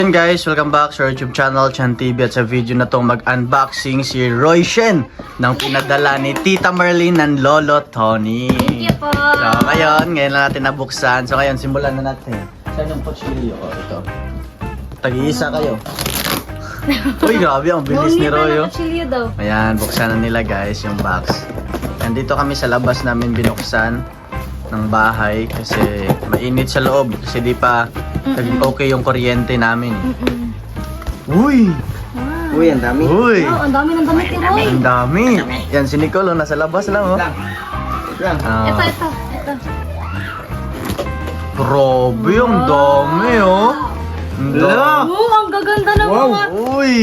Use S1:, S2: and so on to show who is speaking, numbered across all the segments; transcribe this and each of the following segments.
S1: Hey guys, welcome back sa YouTube channel Chan TV at sa video na to mag-unboxing si Roy Shen ng pinadala ni Tita Marlene ng Lolo Tony.
S2: Thank you po.
S1: So ngayon lang natin nabuksan. So ngayon simulan na natin. Saan yung kutsilyo? Oh, ito. Tag-iisa kayo. Uy, grabe ang bilis ni Roy. Oh. Ayan, buksan na nila guys yung box. Nandito kami sa labas namin binuksan ng bahay kasi mainit sa loob kasi di pa naging okay yung kuryente namin. Uy!
S2: Wow.
S3: Uy, ang dami.
S1: Uy!
S2: Wow, ang dami ng damit ni Roy.
S1: Ang dami! Yan si Nicole, nasa labas lang oh.
S3: Lang.
S1: Ah,
S2: Ito.
S1: grabe, ang dami oh. Ang dami.
S2: Oh, ang gaganda ng
S3: Wow.
S2: mga...
S1: Uy!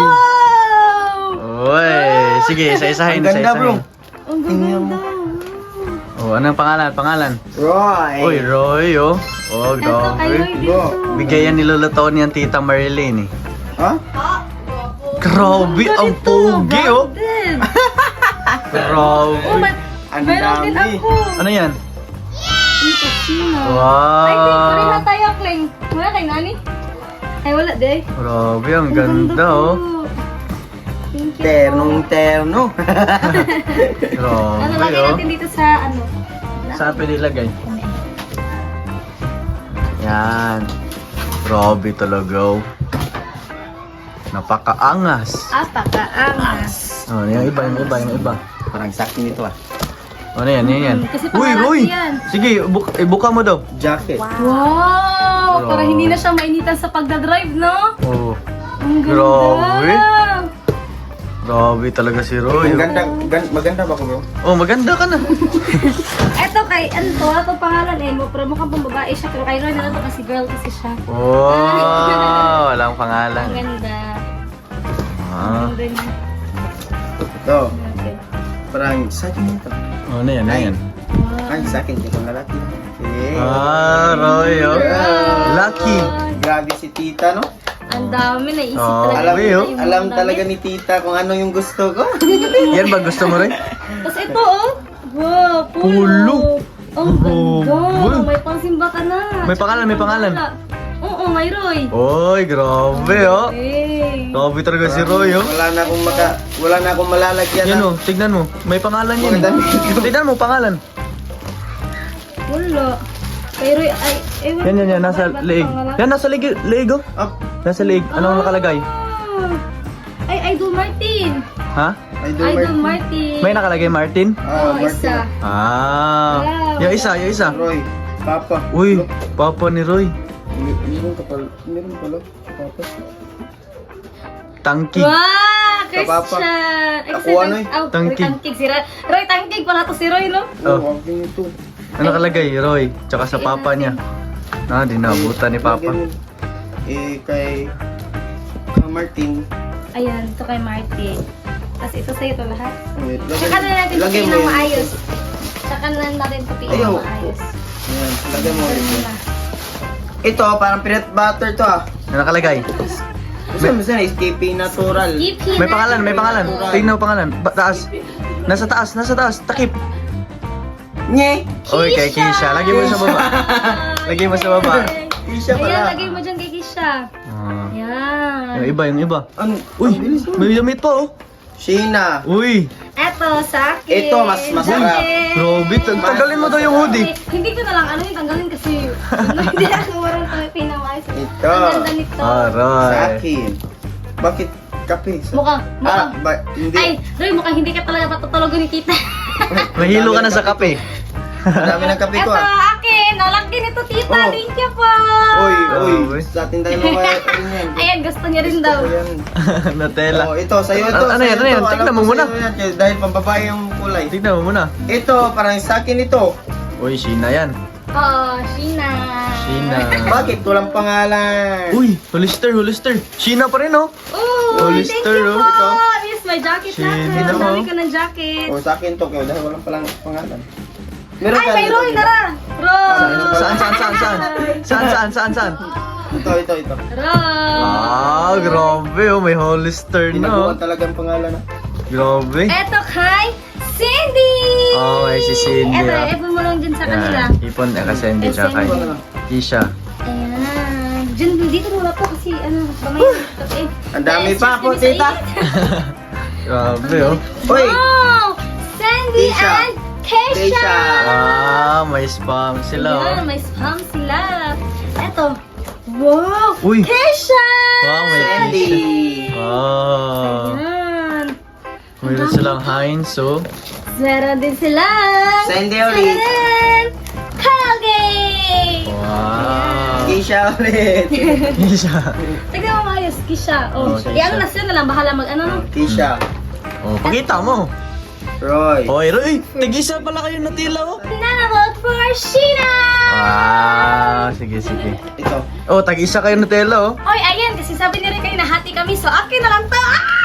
S2: Wow!
S1: Uy! Sige, isa-isahin.
S3: Ang ganda, bro.
S2: Ang gaganda.
S1: Oh, anong pangalan?
S3: Roy.
S1: Uy, Roy oh. Oh,
S2: Ito kay Roy
S1: grabe.
S2: dito.
S1: Bigay yan ni Lolo Tony ang Tita Marlene eh.
S3: Ha?
S1: Grabe, ang pogi oh.
S2: Branded.
S1: Grabe.
S2: Oh,
S3: Ang
S2: meron din
S3: dami.
S2: ako.
S1: Ano yan?
S2: Ano kasino?
S1: Wow!
S2: Ay, Kling, pareha na tayo, Kling. Wala kay Nani? Ay, wala, de.
S1: Grabe, ang ganda oh.
S2: po. Thank you
S3: Ternong-terno.
S2: po. Ano,
S1: Grabe
S2: lagay
S1: oh.
S2: natin dito sa ano?
S1: Saan pwede ilagay? Yan. Grabe talaga oh. Napakaangas.
S2: Apakaangas.
S1: Oh, yung iba.
S3: Parang sakin ito ah.
S1: Ano yan?
S2: Kasi
S1: Uy,
S2: pangalan
S1: Roy!
S2: yan.
S1: Sige, ibuka mo daw.
S3: Jacket.
S2: Wow! Para
S1: Grabe.
S2: hindi na siya mainitan sa pagdadrive, no?
S1: Oh.
S2: Ang ganda.
S1: Grabe. Grabe talaga si Roy.
S3: Ang ganda, maganda ba ko, bro?
S1: Oh, maganda ka na.
S2: Eto kay, ano to? Ito pangalan eh. Pero mukhang pang babae siya. Pero kay Roy na to kasi girl kasi siya.
S1: Wow, walang
S2: Ang
S1: pangalan.
S2: ganda.
S1: Ah.
S2: Ang ganda.
S3: Ito. Parang sakin ito.
S1: Oh, ano yan?
S2: Wow.
S3: Ay, sakin ito lalaki. Eh.
S1: Ah, Roy, oh. Lucky.
S3: Grabe si tita, no?
S2: Ang dami na isip
S1: Oh,
S2: talaga.
S3: Alam,
S1: Grabe, oh.
S2: Yung
S3: alam
S2: mga
S3: talaga
S2: damit.
S3: ni tita kung ano yung gusto ko.
S1: Yan ba gusto mo rin?
S2: Tapos ito oh. Wow, pulo.
S1: Pulo.
S2: Ang ganda.
S1: Oh,
S2: May pangsimba ka na.
S1: May pangalan.
S2: Oo, may Roy.
S1: Oy, grabe, oh.
S2: Hey.
S1: Grabe talaga si Roy, oh.
S3: Wala na akong malalagyan.
S1: Yan, oh. Tignan mo. May pangalan yan.
S3: Maganda.
S1: Tignan mo, pangalan.
S2: Wala. Kay Roy, ay, ewan ko
S1: Yan.
S2: ba
S1: Nasa
S2: ba't
S1: leeg.
S2: pangalan?
S1: Yan, nasa leeg, oh.
S3: Up.
S1: Nasa leeg. Anong nakalagay?
S2: Ah. Ay, Idol Martin.
S1: Ha?
S2: Idol Martin.
S1: May nakalagay Martin?
S2: Oo, isa.
S1: Ah.
S2: Wow.
S1: Yung isa.
S3: Roy, Papa.
S1: Uy, papa ni Roy.
S3: Meron pala. Papa.
S1: Tangki.
S2: Wow,
S3: Papa.
S2: Christian.
S3: Ako, ano eh?
S2: Oh,
S1: Tangkig.
S2: Tangkig si Roy. Roy, tangkig pala to si Roy, no?
S1: Oh.
S3: Wag din ito.
S1: Ano nakalagay? Roy. Tsaka sa papa niya. Ah, di naabutan ni papa.
S3: Kay Martin.
S2: Ayan, ito kay Martin. Tapos ito sa'yo to lahat.
S3: Wait,
S2: Tsaka na natin
S3: lagay
S2: tupiin
S3: mo
S2: ng
S3: yun.
S2: maayos. Tsaka na natin tupiin
S3: Ayaw.
S2: ng maayos.
S3: Ayan, lagay mo
S2: Ganun
S3: ito.
S2: na.
S3: Ito, parang peanut butter to ah.
S1: Ano nakalagay?
S3: Gusto mo sana, escape natural.
S2: Skip
S1: May pangalan. Tingnan mo pangalan. Taas. Nasa taas. Takip.
S3: Nye!
S1: Oy, kay Kisha. Lagi mo sa baba. Lagi mo sa baba.
S3: Isha
S2: Ayan,
S3: pala.
S2: lagay mo dyan kay Kisha.
S1: Ah.
S2: Yan.
S1: Yung iba.
S3: Ano?
S1: Uy,
S3: Ang bilis, oh.
S1: may damit pa oh.
S3: Sheena.
S1: Uy,
S2: Eto, sa akin.
S3: Ito, mas masarap.
S1: Grabe, tanggalin mo daw yung hoodie.
S2: Hindi ko na lang ano yung tanggalin kasi hindi ako marunong tayo pinawais.
S3: Ito.
S2: Ang ganda nito.
S3: Sa
S1: Aray.
S3: akin. Bakit kape?
S2: Mukhang.
S3: Hindi.
S2: Ay, Roy, mukhang hindi ka talaga patutulugan ni Tita.
S1: Mahilo ka na sa kape.
S3: Ang dami ng kape ko
S2: Eto,
S3: ah.
S2: akin. Nalaki nito, Tita.
S3: Oh.
S2: Thank you po.
S3: Uy,
S1: Grabe.
S3: sa atin tayo mamaya rin yan.
S2: Ayan, gusto niya rin daw.
S3: Gusto ko yan.
S1: Nutella.
S3: Oh, ito, sa'yo ito.
S1: Ano yan,
S3: sa'yo
S1: ano yan?
S3: ito.
S1: Tignan
S3: Alam
S1: mo
S3: ko
S1: muna.
S3: sa'yo yan, dahil pambabae yung kulay.
S1: Tignan mo muna.
S3: Ito, parang sa akin ito.
S1: Uy, Sheena yan.
S2: Oh, Sheena.
S1: Sheena.
S3: Bakit? Walang pangalan.
S1: Uy, Hollister. Sheena pa rin oh.
S2: Oh, thank
S1: Hollister,
S2: you po.
S1: oh.
S2: Yes, may jacket na.
S1: Sheena,
S2: Ang dami
S1: oh.
S2: ko ng jacket.
S3: O, sa akin to, kaya dahil walang palang pangalan. Meron
S2: Ay,
S3: ka
S2: may
S3: dito,
S2: Roy
S3: diba?
S2: na ra. Roy.
S1: Saan?
S3: Ito.
S2: Roy.
S1: Ah, grabe oh. May Hollister na oh.
S3: Tinaguan talagang pangalan na.
S1: Grabe.
S2: Eto kay Cindy.
S1: Oh, ay si Cindy.
S2: Eto,
S1: ah.
S2: ipon mo lang dyan sa kanila.
S1: Yan. Ipon kasi hindi siya kay
S2: Cindy.
S1: Kisha.
S2: Ayan. Dyan, dito muna po kasi ano, bamay. Okay.
S3: Ang dami pa po, tita.
S1: Grabe oh.
S3: Uy!
S2: Wow! Sandy
S3: Keisha.
S2: and Keisha!
S3: Keisha.
S1: Ah, may spam sila oh.
S2: Ayan, may spam sila. Eto. Wow!
S1: Uy.
S2: Keisha!
S1: Wow, may
S3: Sandy.
S1: Wow.
S2: Ayan.
S1: Mayroon silang Heinz oh.
S2: Meron din sila.
S3: Sandy ulit.
S2: Tadaan! Colgate!
S1: Wow.
S3: Keisha ulit.
S1: Isa.
S2: Tignan mo maayos, Keisha. Oh,
S1: Oh, Keisha.
S2: i-ano na sila na lang, bahala mag ano no.
S3: Keisha.
S1: Oh, pakita mo.
S3: Roy.
S1: Oy, Roy, tig-isa pala kayo natila oh.
S2: Nanavote for Sheena!
S1: Wow, sige, sige.
S3: Ito.
S1: Oh, tag-isa kayo Nutella oh.
S2: Oy, ayan, kasi sabi ni Rick kayo nahati kami, so akin na lang to.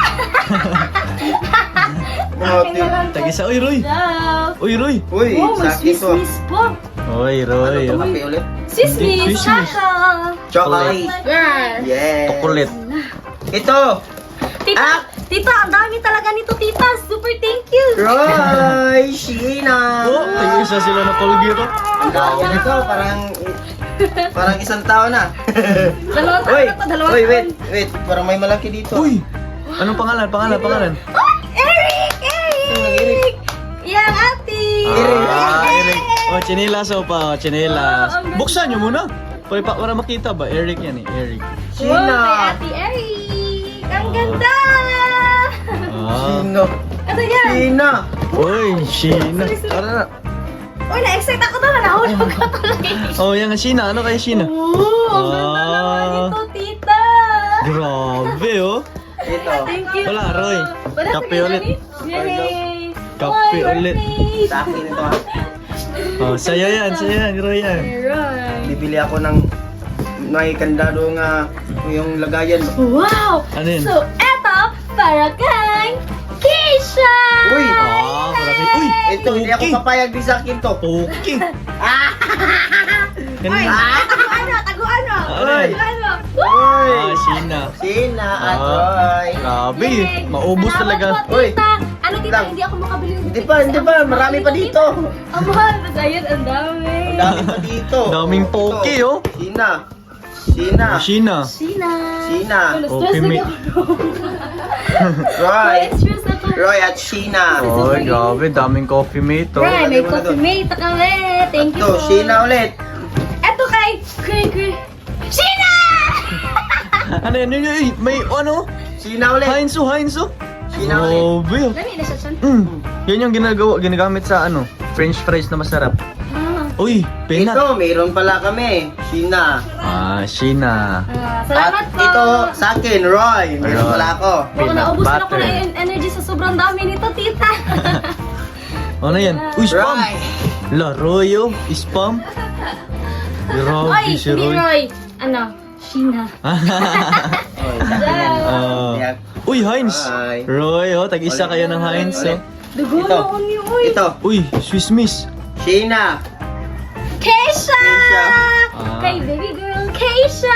S2: Akin na lang to.
S1: Tag-isa, oy Roy.
S2: Love.
S1: Oy Roy.
S3: Uy,
S2: Oh, may
S3: sa akin
S2: Swiss
S3: to.
S2: Miss po.
S1: Oy Roy.
S3: Ito,
S1: Oh.
S3: kape ulit.
S2: Swiss
S1: Swiss
S2: Miss,
S1: Miss.
S2: kaka.
S3: Chocolate.
S2: Girl.
S3: Yes.
S1: Chocolate.
S3: Ito.
S2: Tita,
S3: Ah!
S2: tita, ang dami talaga nito, tita. Super thank you.
S3: Roy. Sheena.
S1: Oh, tag-isa sila na Colgate oh.
S3: Ang dami nito. Parang isang tao na.
S2: Dalawang taon
S3: Uy,
S2: na to, dalawang
S3: uy,
S2: taon.
S3: wait. Parang may malaki dito.
S1: Uy. Anong pangalan? Pangalan?
S2: Oh, Eric! Eric! Yan, ate!
S1: Ah, Eric. Oh, chinelas oh pa, chinelas.
S2: Oh, ang ganda.
S1: Buksan nyo muna. Para makita ba? Eric yan eh, Eric.
S2: Wow,
S3: Sheena.
S2: kay ate Eric! Ang ganda!
S1: Ah.
S3: Sheena.
S2: Ito yan!
S3: Sheena.
S1: Uy, Sheena. Tara na.
S2: Uy, na-excite ako to, nahulog ka tuloy.
S1: Oh, yan nga Sheena. Ano kaya Sheena?
S2: Oo, ang ganda naman
S1: Ah.
S2: ito, tita!
S1: Grabe oh.
S3: Ito.
S2: Thank you.
S1: Wala, Roy.
S2: Wala,
S1: Kape
S2: sige,
S1: ulit.
S2: Roy. Yay!
S1: Kape
S2: Oy,
S1: ulit.
S2: Roy.
S3: Sa akin ito. Ha.
S1: Oh, sa'yo yan, Roy yan.
S2: Roy.
S3: Bibili ako ng may kandado nga yung lagayan.
S2: Wow!
S1: Ano yun?
S2: So, eto, para kay Keisha!
S3: Uy!
S1: Ah, marami. Uy,
S3: Ito, hindi ako
S1: okay.
S3: papayag din sa akin to.
S1: Okay.
S2: Uy,
S1: Ganun.
S2: taguan mo!
S1: Ano yan?
S2: Taguan mo!
S3: Uy!
S1: Ah, Sheena.
S3: Sheena at
S1: Ah,
S3: Roy.
S1: Grabe.
S2: Yay!
S1: Maubos
S2: Salamat
S1: talaga.
S2: po, tita. Ano tita,
S3: Lang.
S2: hindi ako makabili ng
S3: Hindi pa, marami pa dito.
S2: Ang mahal, mas ayun, ang dami.
S3: Ang dami pa dito.
S1: Daming poke,
S3: Ito.
S1: oh.
S3: Sheena. Sheena.
S1: Oh, Sheena.
S2: Sheena.
S3: Sheena.
S2: Stress
S1: Okay,
S2: na
S1: may-
S2: ako.
S3: Roy.
S2: Stress ako.
S3: Roy at Sheena.
S1: Oh, grabe. Daming coffee mate, oh.
S2: Right, may
S3: Lagay mo na
S2: coffee
S3: doon.
S2: mate kami. Thank you
S3: Ito,
S2: po.
S3: Sheena ulit.
S2: Eto kay Sheena!
S1: Ano yan? May ano?
S3: Sheena ulit.
S1: Heinz, oh.
S3: Sheena ulit.
S1: Grabe, oh.
S2: Dami na siya siya.
S1: Yan yung ginagamit sa ano, French fries na masarap.
S2: Ah.
S1: Uy, pena.
S3: Ito, mayroon pala kami. Sheena.
S1: Ah, Sheena.
S2: Salamat
S3: At
S2: po.
S3: ito sa akin, Roy. Mayroon
S1: Roy.
S3: pala ako.
S2: Baka
S1: Peanut
S2: naubos na ako
S1: butter.
S2: ng energy sa sobrang dami nito, tita.
S1: Ano yan? Uy, spam.
S3: Roy.
S1: La, Roy, oh. Spam. Grabe
S2: Oy,
S1: si
S2: hindi
S1: Roy.
S2: Roy. Ano? Sheena.
S3: Roy, sa akin yan.
S1: Ah.
S3: Yan.
S1: Uy, Heinz.
S3: Roy.
S1: Roy, oh. Tag-isa kayo ng Heinz, oh.
S2: Dugo
S3: Ito.
S2: na ko ni Uy.
S3: Ito,
S1: Uy, Swiss Miss.
S3: Sheena.
S2: Keisha!
S3: Keisha.
S1: Ah.
S2: Kay baby girl, Keisha!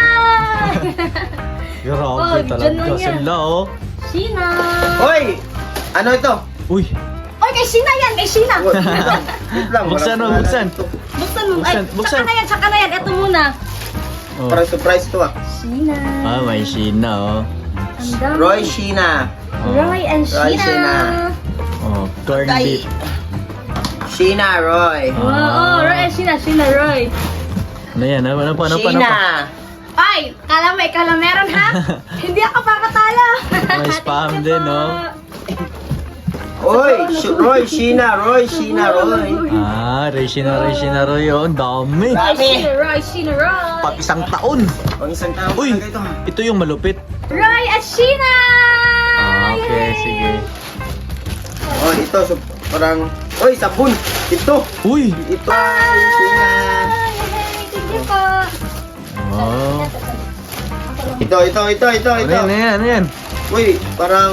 S1: Grabe
S2: Oh, dyan
S1: talaga
S2: lang yan.
S1: sila, oh.
S2: Sheena!
S3: Hoy! Ano ito?
S1: Uy,
S2: Oy, kay Sheena yan! Kay Sheena!
S3: Wait lang. Wait lang.
S1: Buksan,
S3: walang
S1: oh, buksan.
S3: pangalan ito.
S2: Buksan mo. Ay,
S1: Buksan.
S2: tsaka na yan. Ito muna.
S1: oh.
S3: Parang surprise to ah.
S2: Sheena.
S1: Ah, may Sheena, oh.
S2: Ang dami.
S3: Roy Sheena.
S1: Oh.
S2: Roy and
S3: Roy,
S2: Sheena.
S3: Sheena.
S1: Oh, corned
S3: Tay.
S1: beef.
S3: Sheena, Roy.
S2: Wow, oh, Roy and Sheena. Sheena, Roy.
S1: Ano yan? Ano pa?
S3: Sheena.
S2: Ay, kala mo, ikaw lang meron ha? Hindi ako pakatalo.
S1: May spam
S2: Thank you
S1: din,
S2: po.
S1: no?
S3: Oy, Roy Sheena, Roy Sheena, Roy.
S1: Ah, Sheena, Roy, oh. Ang dami.
S2: Roy,
S3: Dami.
S2: Sheena, Roy, Sheena, Roy.
S1: Pag isang taon.
S3: Pang isang tao
S1: Uy,
S3: talaga ito.
S1: ito yung malupit.
S2: Roy at Sheena!
S1: Ah, okay,
S2: Yay!
S1: sige.
S3: Oh, ito, so, parang, oy, sabon. Ito.
S1: Uy!
S3: Ito, Sheena.
S2: Yay! Thank you po.
S1: Oh.
S3: Ito.
S1: Ano yan?
S3: Uy, parang,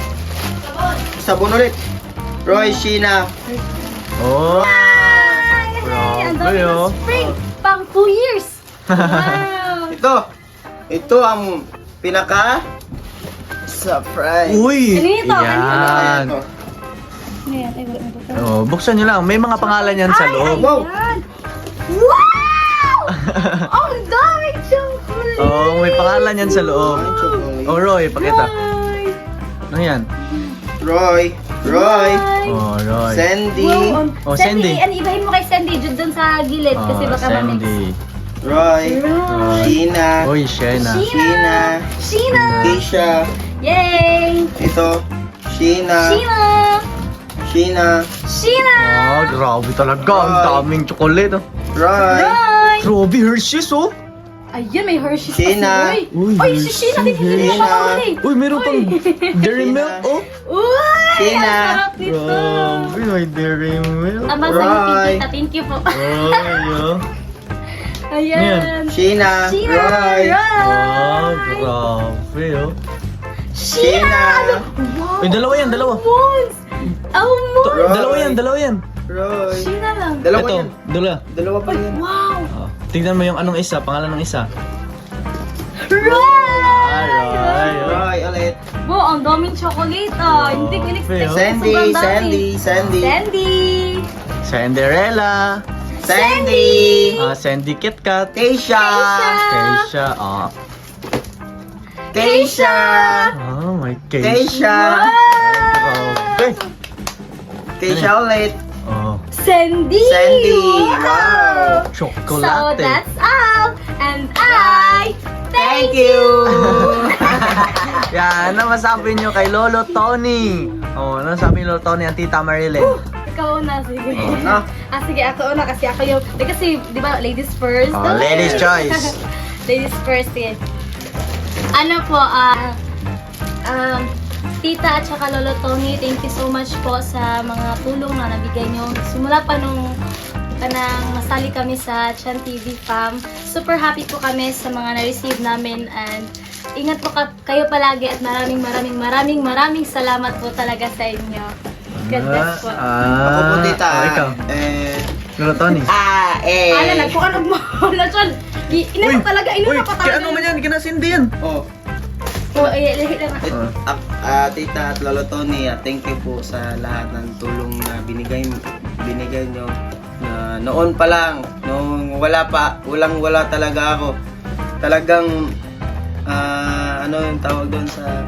S3: sabon ulit. Roy Sheena.
S1: Oh.
S2: Yay! Ang dami
S1: Grabe, oh.
S2: ng spring. Pang 2 years. Wow.
S3: Ito ang pinaka surprise.
S1: Uy!
S2: Kanino to?
S1: Yan.
S3: Ito.
S2: Ayan, ay, wala na to.
S1: Oh, buksan nyo lang. May mga pangalan yan sa
S2: Ay,
S1: loob.
S3: Wow.
S2: ayan. Wow! Ang daming chocolate!
S1: Oh, may pangalan yan sa loob.
S3: Ay, chocolate.
S1: Oh, Roy, pakita. Ano yan?
S3: Roy. Roy.
S1: Oh, Roy.
S3: Sandy.
S1: Oh, Sandy.
S2: Ano, ibahin mo kay Sandy, dyan dun sa gilid, kasi
S1: Oh,
S2: baka mamix.
S1: Sandy.
S3: Roy.
S2: Roy.
S3: Sheena.
S1: Uy, Shena.
S3: Sheena.
S2: Sheena!
S3: Keisha.
S2: Yay!
S3: Ito. Sheena.
S2: Sheena!
S3: Sheena.
S2: Sheena!
S1: Oh, grabe talaga. Ang
S3: Roy.
S1: daming chocolate, oh.
S3: Roy.
S2: Roy!
S1: Grabe, Hershey's, oh.
S2: Ayun, may Hershey's
S3: Sheena.
S2: pa si Roy.
S1: Uy,
S2: Uy, si Sheena din hindi
S3: Sheena.
S2: na makahuli.
S1: Uy, meron pang Dairy Milk, oh.
S2: Uy!
S3: Sheena.
S2: Ang sarap nito.
S1: Grabe, may Dairy Milk.
S2: Tama sa
S3: Roy.
S2: tita, thank you po.
S1: Oh, yeah.
S2: Ayan.
S3: Sheena.
S2: Sheena!
S3: Roy.
S1: Oh,
S2: Roy!
S1: grabe, oh.
S2: Sheena! Wow!
S1: Uy, dalawa yan, dalawa.
S2: Mons! Oh, Mons!
S3: Roy.
S1: Dalawa yan.
S3: Roy.
S2: Sheena lang.
S3: Dalawa
S1: Ito,
S3: yan.
S1: dalawa.
S3: Dalawa pa yan.
S2: Wow!
S1: Oh, tignan mo yung anong isa, pangalan ng isa.
S2: Roy!
S1: Roy.
S3: Roy ulit.
S2: Wow, ang daming chocolate ah. Hindi ko in-expect.
S3: Sandy.
S2: Sobrang dami.
S3: Sandy. Sandy.
S2: Sandy!
S1: Cinderella.
S3: Sandy.
S1: Sandy Kit Kat.
S3: Keisha.
S1: Keisha. Oh.
S3: Keisha.
S1: Oh, my Keisha.
S3: Keisha.
S1: Grabe.
S3: Keisha ulit.
S1: Oh,
S2: Sandy!
S3: Sandy.
S2: Wow! So
S1: chocolate.
S2: that's all. And I thank you!
S1: Yan, ano masabi nyo kay Lolo Tony? Oh, ano sabi ni Lolo Tony ang Tita Marilyn?
S2: Ikaw na, sige.
S3: na.
S2: Sige, ako una kasi ako yung... Kasi, di ba, ladies first?
S1: Oh, ladies choice.
S2: Ladies first, yan. Ano po, Tita at saka Lolo Tony, thank you so much po sa mga tulong na nabigay nyo. Simula pa nung kanang masali kami sa Chan TV Fam. Super happy po kami sa mga na-receive namin and ingat po kayo palagi at maraming salamat po talaga sa inyo. God bless po.
S3: Ako po, tita.
S1: Oh, ikaw. Lolo Tony.
S2: Ano, nagpukanog mo. Lachon, inano talaga, inuna pa talaga.
S1: Kaya ano man yan, kinasindi yan.
S3: Oh.
S2: Lahi lang.
S3: Tita at Lolo Tony, thank you po sa lahat ng tulong na binigay nyo. Noon pa lang, nung wala talaga ako. Talagang, ano yung tawag doon sa,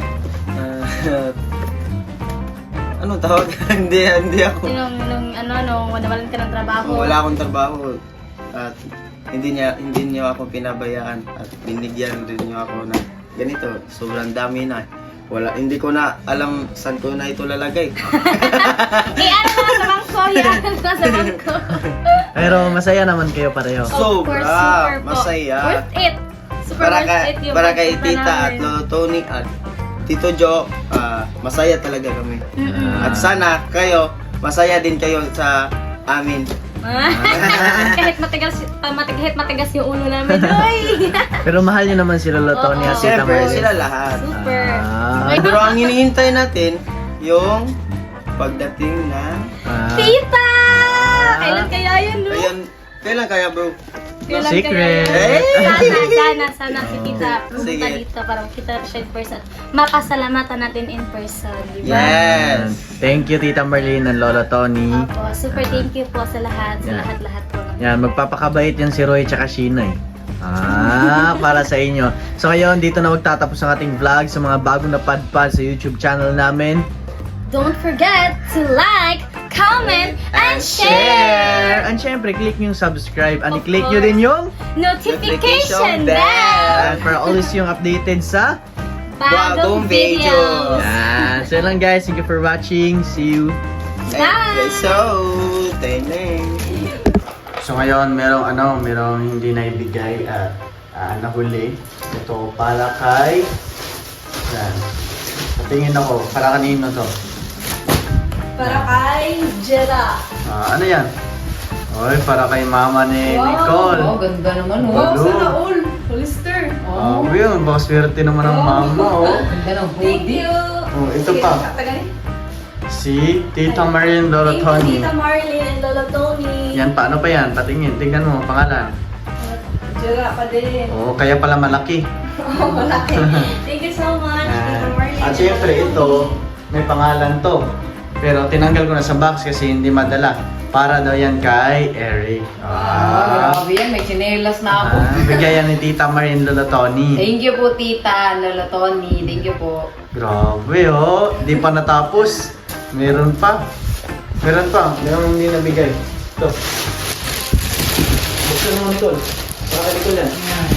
S3: anong tawag? hindi ako.
S2: Nung nawalan ka ng trabaho.
S3: Wala akong trabaho at hindi niyo ako pinabayaan at binigyan rin niyo ako ng ganito. Sobrang dami na. Hindi ko na alam saan ko na ito lalagay.
S2: Ano naman sa bangko yan? Nasa bangko.
S1: Pero masaya naman kayo pareho.
S2: Of course, super po.
S3: masaya.
S2: Worth it. Super worth it yung
S3: Para kay
S2: pagpunta
S3: Tita at
S2: namin.
S3: Lolo Tony at Tito Joe, masaya talaga kami.
S2: Mm-mm.
S3: At sana kayo, masaya din kayo sa amin.
S2: Kahit matigas yung ulo namin. Uy!
S1: Pero mahal nyo naman si Lolo Tony at
S2: Oo.
S1: Tita
S3: Siyempre,
S1: Marilyn.
S3: sila lahat.
S2: Super.
S1: Ah.
S2: Okay,
S3: Pero ang hinihintay natin, yung pagdating na...
S2: Tita! Kailan kaya yun, no?
S3: Kailan kaya, bro?
S2: Kailan
S1: Secret.
S2: kaya yun? Sana si Tita pumunta
S3: Sige.
S2: dito para makita siya in person. Mapasalamatan natin in person, di ba?
S3: Yes!
S1: Thank you, Tita Marlene and Lolo Tony.
S2: Opo, super thank you po sa lahat, sa
S1: Yeah.
S2: lahat-lahat po.
S1: Yan, magpapakabait yan si Roy tsaka Sheena eh. Para sa inyo. So ngayon, dito na magtatapos ang ating vlog sa mga bagong napadpad sa YouTube channel namin.
S2: Don't forget to like, comment, and share!
S1: And syempre, click nyo yung subscribe. And
S2: Of
S1: i-click nyo
S2: course.
S1: din yung
S2: Notification
S3: Notification
S2: bell!
S1: and para always yung updated sa
S2: Bagong
S3: Bagong videos.
S2: videos!
S1: yan. So yun lang guys, thank you for watching. See you.
S2: Bye!
S1: So ngayon, merong hindi naibigay at nahuli. Ito para kay... Yan. Patingin ako, para kanino to?
S2: Para kay Jera.
S1: Ano yan? Oy, para kay mama ni Nicole.
S4: Oh, ganda naman.
S1: Wow, sana
S4: all. Hollister.
S1: Yun, baka swerte naman ang mama, oh.
S4: Ganda ng
S2: Thank
S4: hoodie.
S2: you!
S1: Oh, ito pa. Si Tita Marilyn Lolo
S2: Thank
S1: Tony.
S2: you, Tita Marlene and Lolo Tony.
S1: Yan, paano pa yan? Patingin, tingnan mo, pangalan.
S4: Jera pa din.
S1: Oh, kaya pala malaki.
S2: Malaki. Thank you so much, Tita Marlene.
S1: At syempre, ito, may pangalan to. Pero tinanggal ko na sa box kasi hindi madala. Para daw yan kay Eric.
S4: Grabe yan, may chinelas na ako.
S1: Bigay yan ni Tita Marin Lola Tony.
S4: Thank you po, Tita, Lolo Tony. Thank you po.
S1: Grabe oh, di pa natapos. Meron pa. Meron pa. Meron hindi nabigay. Ito. Buksan mo, Nicole. Para kay Nicole yan.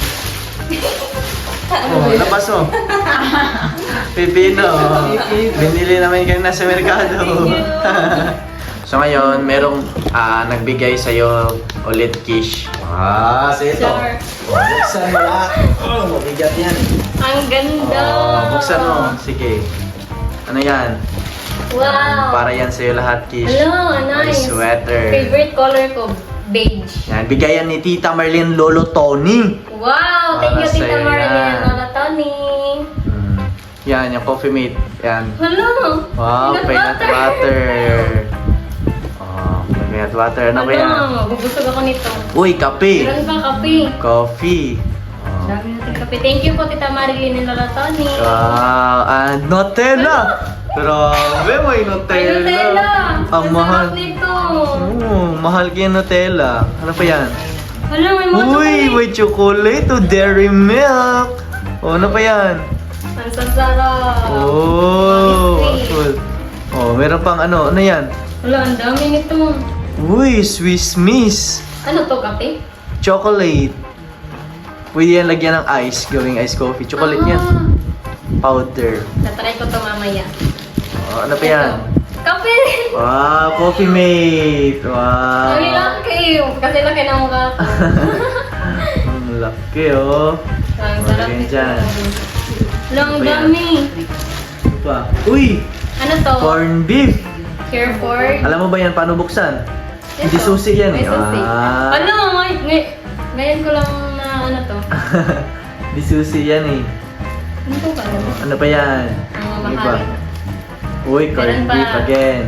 S1: Oh, labas mo. Pipino. Binili naman kayo na sa merkado. So ngayon, merong nagbigay sa'yo ulit, Kish. So ito.
S2: Sure.
S1: Buksan mo lahat. Oh, mabigat yan.
S2: Ang ganda!
S1: Buksan mo. Sige. Ano yan?
S2: Wow!
S1: Para yan sa'yo lahat, Kish.
S2: Hello,
S1: May
S2: nice!
S1: sweater.
S2: Favorite color ko, beige.
S1: Yan, bigayan ni Tita Marlene Lolo Tony.
S2: Wow! Thank you,
S1: Para
S2: Tita
S1: sa'yo
S2: Marilyn
S1: yan.
S2: and Lola Tony.
S1: Yan, yung coffee mate. Yan.
S2: Hello!
S1: Wow, peanut butter. Oh, peanut butter. Ano ba yan?
S2: Bubusog ako nito.
S1: Uy, kape.
S2: Meron pang kape.
S1: Coffee. Oh.
S2: Dami natin kape. Thank you po, Tita Marilyn and Lola Tony.
S1: Wow, and Nutella. Grabe, may Nutella.
S2: May Nutella!
S1: Ang mahal.
S2: sarap nito.
S1: Oh, mahal kaya Nutella. Ano pa yan?
S2: Hala, may mga
S1: Uy,
S2: chocolate.
S1: may chocolate. Oh, Dairy Milk. Oh, ano pa yan?
S2: Ang sasarap.
S1: Oh,
S2: Biscuit.
S1: cool. Oh, meron pang ano yan?
S2: Hala, ang dami nito.
S1: Uy, Swiss Miss.
S2: Ano to, kape?
S1: Chocolate. Pwede yan lagyan ng ice, gawing ice coffee. Chocolate yan. Powder.
S2: Tatry ko to mamaya.
S1: Oh, ano pa yan?
S2: Kape!
S1: Wow, coffee mate. Wow.
S2: Ang laki. Kasi laki na mukha ko.
S1: Ang laki, oh.
S2: Ang sarap
S1: Magaling
S2: nito.
S1: dyan.
S2: Lang
S1: Ano ba yan?
S2: dami.
S1: Ano pa? Uy,
S2: Ano to?
S1: corn beef.
S2: Hereford.
S1: Alam mo ba yan paano buksan?
S2: Ito.
S1: Hindi susi yan
S2: May
S1: eh.
S2: susi. Ano? Ngayon ko lang na ano to.
S1: Hindi susi yan eh.
S2: Ano to ba?
S1: Ano pa yan?
S2: Ang
S1: Ano pa?
S2: mahal.
S1: Uy, corn
S2: Meron pa.
S1: beef again.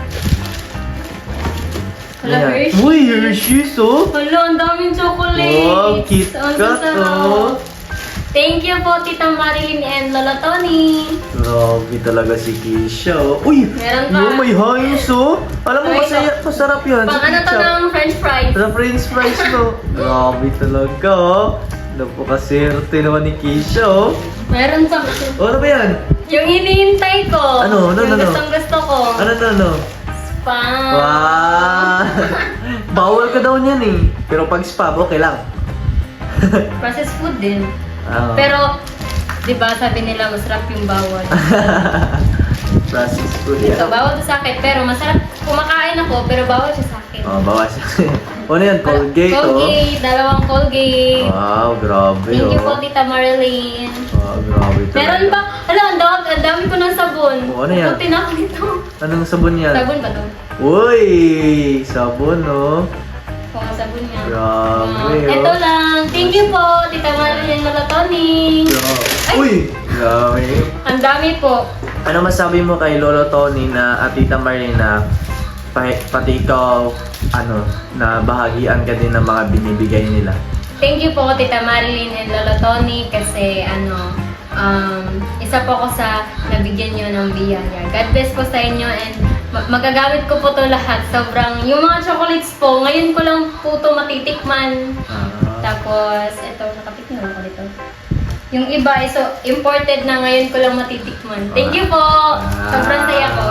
S2: Wala,
S1: Ayan.
S2: Hershey's.
S1: Uy, Hershey's oh.
S2: Hala, ang daming chocolate.
S1: Wow, Kit
S2: Ang
S1: Kat
S2: sasarap.
S1: oh.
S2: Thank you po, Tita Marilyn and Lola Tony.
S1: Grabe talaga si Keisha oh. Uy,
S2: Meron pa.
S1: yung may hangis oh. Alam mo,
S2: Ay,
S1: masarap yan.
S2: Pang
S1: si
S2: ano to
S1: Keisha.
S2: ng french fries?
S1: Sa french fries no. Grabe talaga oh. Napakaserte naman ni Keisha oh.
S2: Meron pa.
S1: Oh, ano ba yan?
S2: Yung hinihintay ko.
S1: Ano?
S2: Yung gustong gusto ko.
S1: Ano?
S2: Spam.
S1: Wow! Bawal ka daw niyan eh. Pero pag spam, okay lang.
S2: Processed food din.
S1: Ah.
S2: Pero, di ba sabi nila masarap yung bawal.
S1: Processed food
S2: Ito,
S1: yan.
S2: bawal to sa akin. Pero masarap. Kumakain ako, pero bawal siya sa akin.
S1: Oh, bawas. Ano yan? Colgate oh.
S2: Colgate. Dalawang Colgate.
S1: Wow, grabe
S2: Thank you
S1: oh.
S2: po, Tita Marilyn.
S1: Wow, grabe talaga.
S2: Meron ba? Hala, ang dami ko ng sabon.
S1: Oh, ano yan?
S2: Puti na ako nito.
S1: Anong sabon yan?
S2: Sabon ba to?
S1: Uy! Sabon oh.
S2: Kung ang sabon niya.
S1: Grabe oh.
S2: Ito lang. Thank you po, Tita Marilyn Lola Tony. Ay!
S1: Uy! Grabe.
S2: Ang dami po.
S1: Ano masabi mo kay Lolo Tony na at Tita Marlene pati ikaw, na bahagian ka din ng mga binibigay nila?
S2: Thank you po, Tita Marilyn and Lolo Tony kasi isa po ako sa nabigyan nyo ng biyaya. God bless po sa inyo and magagamit ko po to lahat. Sobrang, yung mga chocolates po, ngayon ko lang po to matitikman. Tapos, ito, nakapit na ako dito. Yung iba, so imported na ngayon ko lang matitikman. Thank you po! Sobrang saya ko.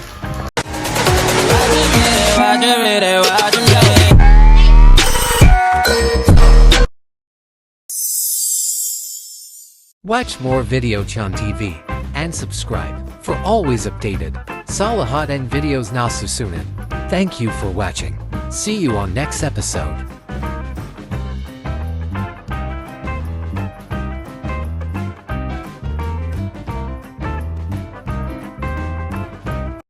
S5: Watch more Videochan TV and subscribe for always updated Salahat and videos na susunod. Thank you for watching. See you on next episode.